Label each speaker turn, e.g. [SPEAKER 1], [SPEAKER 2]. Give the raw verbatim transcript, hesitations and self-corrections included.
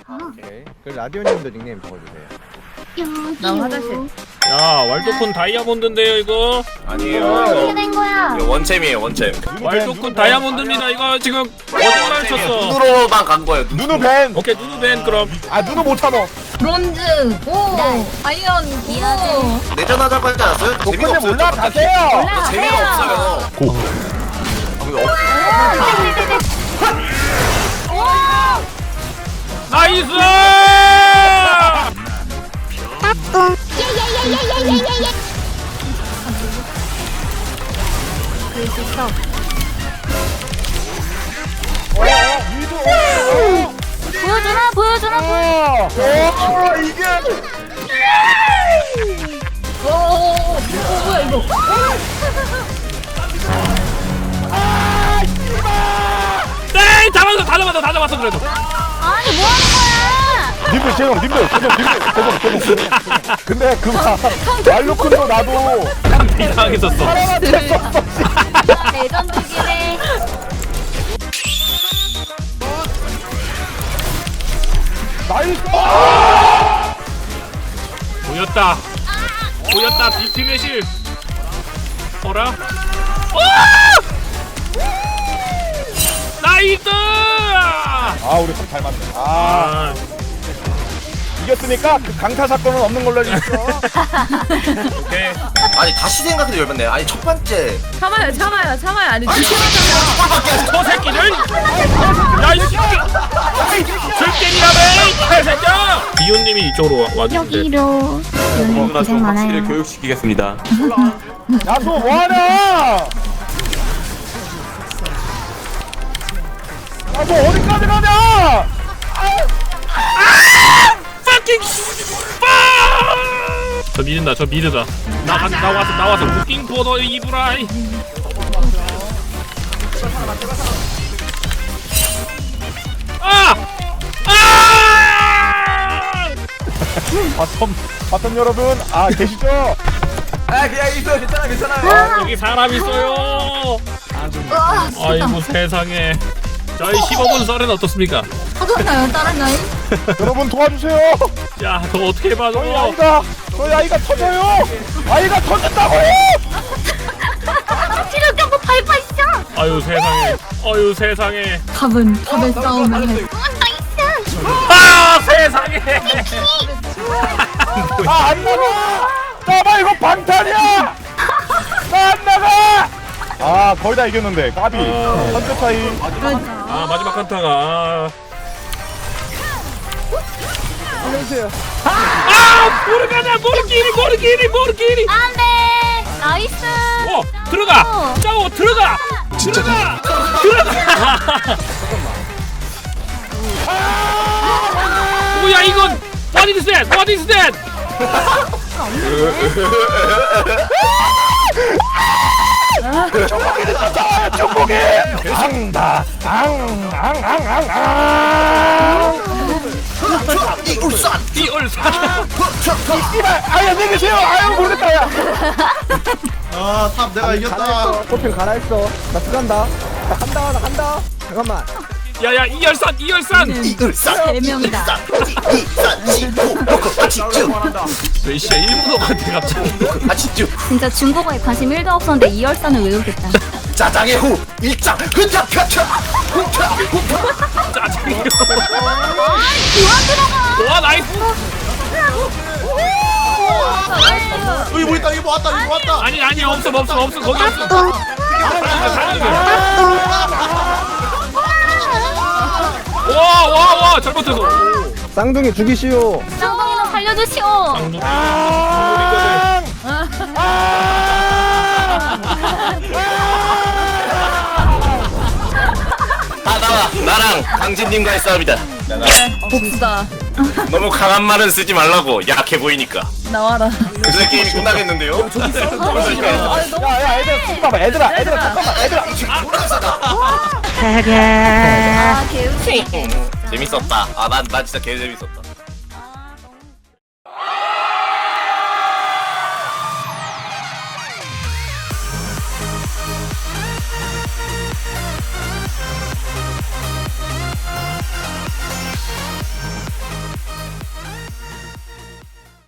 [SPEAKER 1] 오케이. 그 라디오님도 닉네임 적어주세요.
[SPEAKER 2] 나 화장실.
[SPEAKER 3] 야 왈도쿤 다이아몬드인데요 이거.
[SPEAKER 4] 아니에요.
[SPEAKER 2] 어떻게 된 거야?
[SPEAKER 4] 이거 원챔이에요 원챔.
[SPEAKER 3] 왈도쿤 다이아몬드입니다 이거. 지금 어디를 쳤어?
[SPEAKER 4] 눈으로만 간 거예요. 눈.
[SPEAKER 5] 누누 벤!
[SPEAKER 3] 오케이 누누벤 그럼.
[SPEAKER 5] 아 누누 못 참어.
[SPEAKER 2] 브론즈 오 아이언 오
[SPEAKER 4] 내전하자고 하지 않았어요? 재미가
[SPEAKER 5] 독군님
[SPEAKER 4] 없어요.
[SPEAKER 5] 올라가세요.
[SPEAKER 4] 저 재미가 없어요.
[SPEAKER 5] 고.
[SPEAKER 3] 나이스!
[SPEAKER 2] 보여주나 보여주나 보여.
[SPEAKER 5] 오 이게.
[SPEAKER 2] 오, 오, 오, 뭐야 이거?
[SPEAKER 3] 네! 잡았어! 다 잡았어! 다 잡았어 그래도!
[SPEAKER 2] 아니 뭐 하는 거야?
[SPEAKER 5] 님들 죄송 님들 죄송 님들 죄송 죄송. 근데 그거 왈도쿤도 나도
[SPEAKER 3] 이상했었어.
[SPEAKER 2] 레전드기네.
[SPEAKER 5] 나이스.
[SPEAKER 3] 보였다! 보였다! 비팀의 실! 어라? 나이스!
[SPEAKER 5] 아 우리 참 잘 맞네. 아
[SPEAKER 3] 아,
[SPEAKER 5] 이겼으니까 그 강타 사건은 없는 걸로 해주십시오.
[SPEAKER 3] 오케이.
[SPEAKER 4] 아니 다시 생각해도 열받네. 아니 첫 번째.
[SPEAKER 2] 참아요 참아요 참아요 아니
[SPEAKER 3] 저 새끼를! 야, 이 새끼! 줄게니라며! 이 개새끼야! 비온님이 이쪽으로 와- 와주는데.
[SPEAKER 2] 여기로 오늘 고생 많아요.
[SPEAKER 6] 교육시키겠습니다.
[SPEAKER 5] 야수 뭐하냐? 야수 어디까지 가냐?
[SPEAKER 3] fucking 저 믿는다 저 믿으다 나, 가- 나 와서 나 와서 무킹 포더 이브라이 아! 아!
[SPEAKER 5] 바텀 바텀 여러분 아 계시죠?
[SPEAKER 4] 아 그냥 있어 괜찮아 괜찮아요.
[SPEAKER 3] 여기 사람 있어요 아이고 세상에 저희 십오 분 썰은 어떻습니까?
[SPEAKER 2] 하잖아요 다른 나이.
[SPEAKER 5] 여러분 도와주세요.
[SPEAKER 3] 야 너 어떻게 봐
[SPEAKER 5] 저희
[SPEAKER 3] 너
[SPEAKER 5] 아이가 저희 아이가 터져요. 아이가 터진다고요.
[SPEAKER 2] 치료 경고 밟아 있어.
[SPEAKER 3] 아유 세상에 아유 세상에
[SPEAKER 2] 답은 답의 싸움을 해. 나이스.
[SPEAKER 3] 아 세상에
[SPEAKER 5] 아 안 나가. 나봐 이거 방탄이야. 나 안 나가. 아 거의 다 이겼는데 까비. 선제 차이.
[SPEAKER 3] 아 마지막 한타가 아,
[SPEAKER 5] 안녕하세요.
[SPEAKER 3] 아 모르가냐 모르기니 모르기니 모르기니
[SPEAKER 2] 안돼. 나이스.
[SPEAKER 3] 어 들어가 짜오 들어가 들어가 들어가 뭐야 이건 what is that what is that
[SPEAKER 5] 정복이 앙다 앙앙앙앙앙
[SPEAKER 4] 이 울산.
[SPEAKER 3] 이 얼산
[SPEAKER 5] 이발 아야 안녕히 계세요. 아유 모르겠다 야.
[SPEAKER 1] 아탑 내가 이겼다.
[SPEAKER 7] 호핑 갈아했어. 나 들어간다. 나 간다. 나 간다. 잠깐만.
[SPEAKER 3] 야야 이 열산 이 열산
[SPEAKER 4] 이 울산.
[SPEAKER 2] 세 명이다.
[SPEAKER 4] 이산 지구 로코 아치쭈
[SPEAKER 3] 왜이씨야 일본어 같아 갑자기
[SPEAKER 4] 아치쭈
[SPEAKER 2] 진짜 중국어에 관심 일도 없었는데 이열산을 외우겠다.
[SPEAKER 4] 짜장의 후 일장 흔적 펴쳐 훔쳐 훔쳐.
[SPEAKER 3] 짜증이야
[SPEAKER 2] 그만 들어가.
[SPEAKER 3] 와 나이스
[SPEAKER 1] 여기 뭐 있다 여기 뭐 왔다 여기 뭐 왔다.
[SPEAKER 3] 아니 아니 없어 없어 없어 거기 없어 와와와 잘못했어
[SPEAKER 7] 쌍둥이 죽이시오.
[SPEAKER 2] 쌍둥이는 살려주시오.
[SPEAKER 3] 쌍둥이
[SPEAKER 4] 다 나와. 나랑 강진님과의 싸움이다.
[SPEAKER 2] 복수다.
[SPEAKER 4] 너무 강한 말은 쓰지 말라고. 약해 보이니까.
[SPEAKER 2] 나와라.
[SPEAKER 4] 그래서 게임이 끝나겠는데요?
[SPEAKER 5] 야야 애들아 쓰지 마봐. 애들아 애들아 잠깐만 애들아.
[SPEAKER 2] 아 개웃기.
[SPEAKER 4] 재밌었다. 아, 난, 난 진짜 개 재밌었다.